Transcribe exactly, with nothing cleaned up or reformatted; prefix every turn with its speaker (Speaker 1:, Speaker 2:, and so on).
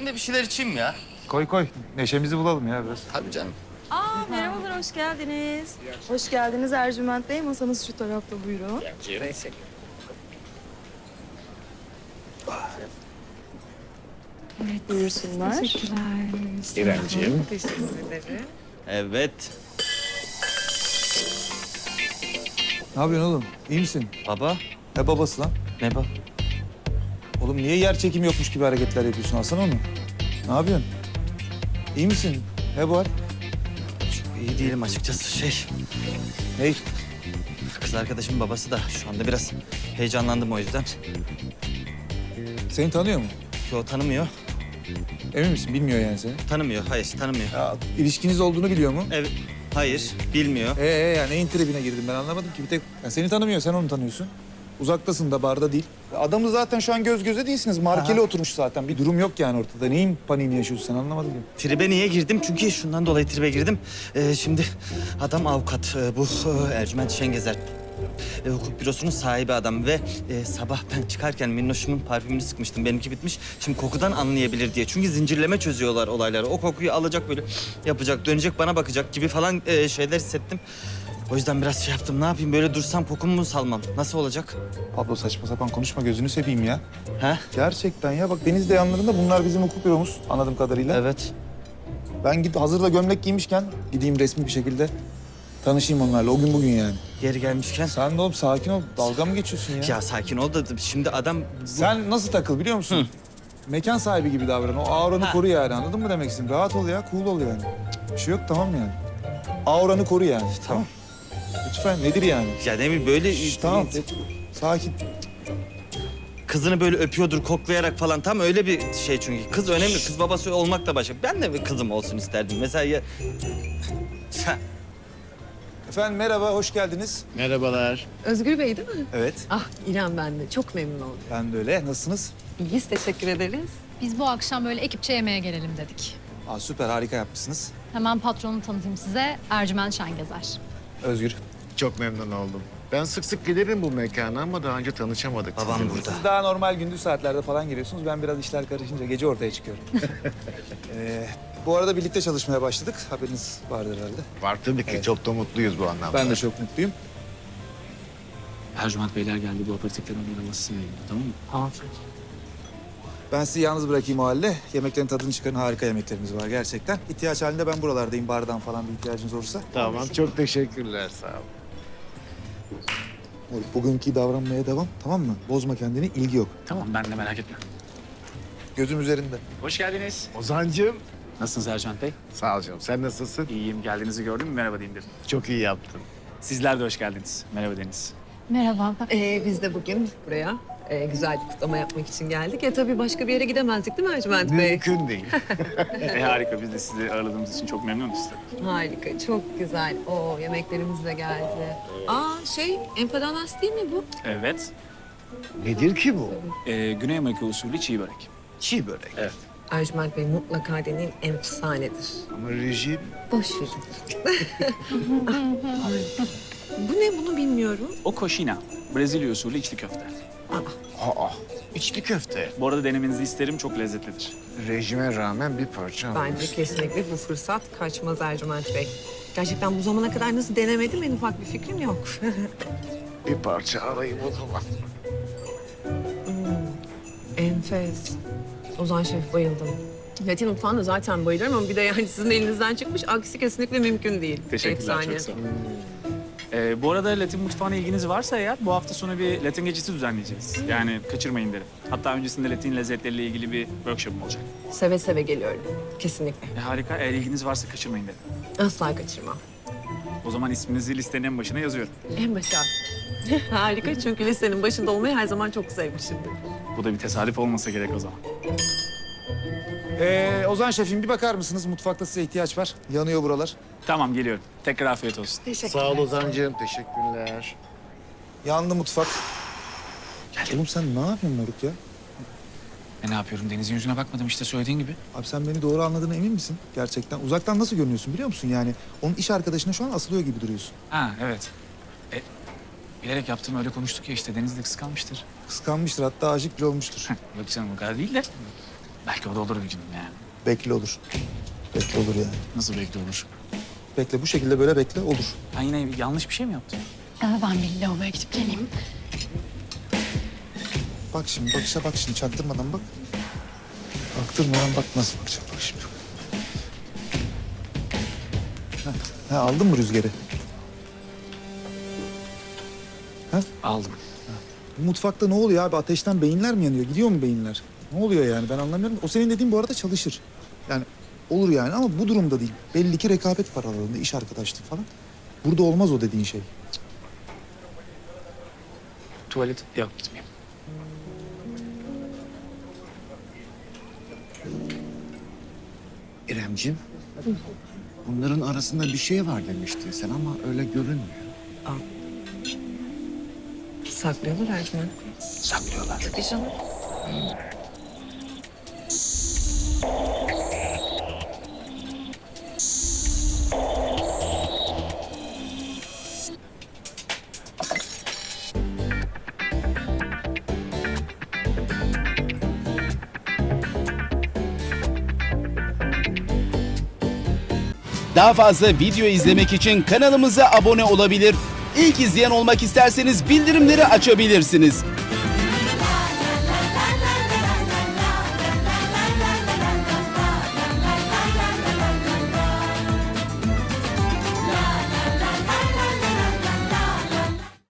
Speaker 1: Ben de bir şeyler içeyim ya.
Speaker 2: Koy koy. Neşemizi bulalım ya biraz.
Speaker 1: Tabii canım.
Speaker 3: Aa, merhabalar, hoş geldiniz. Hoş geldiniz Ercüment Bey. Masanız şu tarafta, buyurun. Evet, buyursunlar. Teşekkürler.
Speaker 4: İremciğim.
Speaker 3: Teşekkür ederim.
Speaker 1: Evet.
Speaker 2: Ne yapıyorsun oğlum? İyi misin?
Speaker 1: Baba.
Speaker 2: Ne babası lan?
Speaker 1: Ne baba?
Speaker 2: Oğlum niye yer çekimi yokmuş gibi hareketler yapıyorsun? Alsana onu. Ne yapıyorsun? İyi misin? Ne bu hal?
Speaker 1: Çok iyi değilim açıkçası. Şey,
Speaker 2: Ne?
Speaker 1: kız arkadaşımın babası da şu anda biraz heyecanlandım o yüzden.
Speaker 2: Seni tanıyor mu?
Speaker 1: Yo, tanımıyor.
Speaker 2: Emin misin? Bilmiyor yani seni.
Speaker 1: Tanımıyor, hayır tanımıyor.
Speaker 2: Ya ilişkiniz olduğunu biliyor mu?
Speaker 1: Evet, hayır, bilmiyor.
Speaker 2: Ee, ee ya neyin tribine girdim ben anlamadım ki. Bir tek ya seni tanımıyor, sen onu tanıyorsun. Uzaktasın da barda değil. Adamı zaten şu an göz göze değilsiniz. Markeli
Speaker 1: Aha.
Speaker 2: oturmuş zaten. Bir durum yok yani ortada. Neyin paniğini yaşıyorsun sen anlamadım ki.
Speaker 1: Tribe niye girdim? Çünkü şundan dolayı tribe girdim. Ee, şimdi adam avukat. Ee, bu e, Ercüment Şengezer. E, hukuk bürosunun sahibi adam ve e, sabah ben çıkarken Minnoş'umun parfümünü sıkmıştım. Benimki bitmiş. Şimdi kokudan anlayabilir diye. Çünkü zincirleme çözüyorlar olayları. O kokuyu alacak böyle yapacak, dönecek bana bakacak gibi falan e, şeyler hissettim. O yüzden biraz şey yaptım. Ne yapayım? Böyle dursam kokumu mu salmam? Nasıl olacak?
Speaker 2: Pablo saçma sapan konuşma gözünü seveyim ya.
Speaker 1: Ha?
Speaker 2: Gerçekten ya bak Denizli yanlarında bunlar bizim hukuk büromuz anladığım kadarıyla.
Speaker 1: Evet.
Speaker 2: Ben git hazırda gömlek giymişken gideyim resmi bir şekilde tanışayım onlarla o gün bugün yani.
Speaker 1: Geri gelmişken.
Speaker 2: Sen de oğlum sakin ol. Dalga mı geçiyorsun ya?
Speaker 1: Ya sakin ol da şimdi adam... bu-
Speaker 2: Sen nasıl takıl biliyor musun? Mekan sahibi gibi davran. O auranı
Speaker 1: Ha.
Speaker 2: koru yani anladın mı demek istedim? Rahat ol ya, cool ol yani. Cık, bir şey yok tamam yani. Auranı koru yani.
Speaker 1: Tamam.
Speaker 2: Lütfen nedir yani?
Speaker 1: Ya ne bileyim böyle...
Speaker 2: Şş, tamam. Sakin.
Speaker 1: Kızını böyle öpüyordur koklayarak falan. Tam öyle bir şey çünkü. Kız önemli. Kız babası olmak da başka. Ben de bir kızım olsun isterdim. Mesela ya... Sen-
Speaker 2: Efendim merhaba, hoş geldiniz.
Speaker 4: Merhabalar.
Speaker 5: Özgür Bey değil mi?
Speaker 2: Evet,
Speaker 5: Ah İrem ben de. Çok memnun oldum.
Speaker 2: ben de öyle. Nasılsınız?
Speaker 5: İyiyiz, teşekkür ederiz.
Speaker 6: Biz bu akşam böyle ekipçe yemeğe gelelim dedik.
Speaker 2: Aa, süper, harika yapmışsınız.
Speaker 6: Hemen patronu tanıtayım size. Ercüment Şengezer.
Speaker 2: Özgür.
Speaker 4: Çok memnun oldum. Ben sık sık gelirim bu mekana ama daha önce tanışamadık.
Speaker 1: Babam
Speaker 4: sizinle.
Speaker 1: burada.
Speaker 2: Siz daha normal gündüz saatlerde falan geliyorsunuz. Ben biraz işler karışınca gece ortaya çıkıyorum. ee, bu arada birlikte çalışmaya başladık. Haberiniz vardır herhalde.
Speaker 4: Var tabii ki.
Speaker 2: Evet.
Speaker 4: Çok da mutluyuz bu anlamda.
Speaker 2: Ben de çok mutluyum.
Speaker 7: Ercüment Beyler geldi. Bu aperatiflerin oynamasını yayınladı, tamam mı? Tamam.
Speaker 2: Ben sizi yalnız bırakayım o halde. Yemeklerin tadını çıkarın. Harika yemeklerimiz var gerçekten. İhtiyaç halinde ben buralardayım. Bardan falan bir ihtiyacınız olursa.
Speaker 4: Tamam. Çok teşekkürler. Sağ ol.
Speaker 2: Oğlum, bugünkü davranmaya devam. Tamam mı? Bozma kendini. İlgi yok.
Speaker 7: Tamam, ben de merak etme.
Speaker 2: Gözüm üzerinde.
Speaker 7: Hoş geldiniz.
Speaker 4: Ozancığım.
Speaker 7: Nasılsınız Ercüment Bey?
Speaker 4: Sağ ol canım. Sen nasılsın?
Speaker 7: İyiyim. Geldiğinizi gördüm mü? Merhaba diyeyim dedim.
Speaker 4: Çok iyi yaptın.
Speaker 7: Sizler de hoş geldiniz. Merhaba Deniz.
Speaker 6: Merhaba.
Speaker 5: Ee, biz de bugün buraya e, güzel bir kutlama yapmak için geldik. E tabii başka bir yere gidemezdik değil mi Ercüment Bey?
Speaker 4: Mümkün değil.
Speaker 7: e, harika. Biz de sizi ağırladığımız için çok memnunuz tabii.
Speaker 5: Harika, çok güzel. Oo, yemeklerimiz de geldi. Aa şey, empanadas değil mi bu?
Speaker 7: Evet.
Speaker 4: Nedir ki bu?
Speaker 7: E, Güney Amerika usulü çiğ börek.
Speaker 4: Çiğ börek.
Speaker 7: Evet.
Speaker 5: Ercüment Bey mutlaka deneyin, efsanedir.
Speaker 4: Ama rejim...
Speaker 5: Boş verin. Bu ne, bunu bilmiyorum.
Speaker 7: O koşina. Brezilya usulü içli köfte.
Speaker 4: Aa, içli köfte.
Speaker 7: Bu arada denemenizi isterim. Çok lezzetlidir.
Speaker 4: Rejime rağmen bir parça
Speaker 5: Bence
Speaker 4: alırız.
Speaker 5: kesinlikle bu fırsat kaçmaz Ercüment Bey. Gerçekten bu zamana kadar nasıl denemedim en ufak bir fikrim yok.
Speaker 4: Bir parça alayım o zaman.
Speaker 5: Enfes. Ozan Şef bayıldım. Latin mutfağına zaten bayılırım ama bir de yani sizin elinizden çıkmış aksi kesinlikle mümkün değil.
Speaker 7: Teşekkürler.
Speaker 5: Efsane.
Speaker 7: Çok sağ olun. Ee, bu arada Latin mutfağına ilginiz varsa eğer bu hafta sonu bir Latin gecesi düzenleyeceğiz. Yani kaçırmayın derim. Hatta öncesinde Latin lezzetleriyle ilgili bir workshop olacak.
Speaker 5: Seve seve geliyorum. Kesinlikle.
Speaker 7: E, harika. Eğer ilginiz varsa kaçırmayın derim.
Speaker 5: Asla kaçırmam.
Speaker 7: O zaman isminizi listenin en başına yazıyorum.
Speaker 5: En başa. Harika çünkü listenin başında olmayı her zaman çok sevmişimdir.
Speaker 7: Bu da bir tesadüf olmasa gerek o zaman.
Speaker 2: Ee, Ozan Şef'im bir bakar mısınız? Mutfakta size ihtiyaç var. Yanıyor buralar.
Speaker 7: Tamam geliyorum. Tekrar afiyet olsun.
Speaker 5: Teşekkürler.
Speaker 4: Sağ ol Ozancığım. Teşekkürler.
Speaker 2: Yandı mutfak. Oğlum sen ne yapıyorsun Moruk ya?
Speaker 7: E, ne yapıyorum? Deniz'in yüzüne bakmadım işte söylediğin gibi.
Speaker 2: Abi sen beni doğru anladığına emin misin? Gerçekten. Uzaktan nasıl görünüyorsun biliyor musun? Yani onun iş arkadaşına şu an asılıyor gibi duruyorsun.
Speaker 7: Ha evet. E, bilerek yaptım öyle konuştuk ya işte. Deniz de kıskanmıştır.
Speaker 2: Kıskanmıştır hatta aşık bile olmuştur.
Speaker 7: Yok canım o kadar değil de. Belki o da olur bir gün yani.
Speaker 2: Bekle olur. Bekle olur yani.
Speaker 7: Nasıl belki olur?
Speaker 2: Bekle bu şekilde böyle bekle olur.
Speaker 7: Ben yine yanlış bir şey mi yaptım?
Speaker 6: Ee, ben bir lavaboya gidip geleyim.
Speaker 2: Bak şimdi bakışa bak şimdi çaktırmadan bak. Baktırmadan bak nasıl bakacak bak şimdi. Ha, ha aldın mı rüzgarı?
Speaker 7: Aldım.
Speaker 2: Bu mutfakta ne oluyor abi? Ateşten beyinler mi yanıyor? Gidiyor mu beyinler? Ne oluyor yani? Ben anlamıyorum. O senin dediğin bu arada çalışır. Yani olur yani ama bu durumda değil. Belli ki rekabet var aralarında, iş arkadaşlığı falan. Burada olmaz o dediğin şey.
Speaker 7: Tuvalet yok gitmeyeyim.
Speaker 4: İremciğim, bunların arasında bir şey var demiştin sen ama öyle görünmüyor.
Speaker 5: Saklıyorlar Ercüment.
Speaker 4: Saklıyorlar.
Speaker 5: Tabii canım.
Speaker 8: Daha fazla video izlemek için kanalımıza abone olabilir. İlk izleyen olmak isterseniz bildirimleri açabilirsiniz.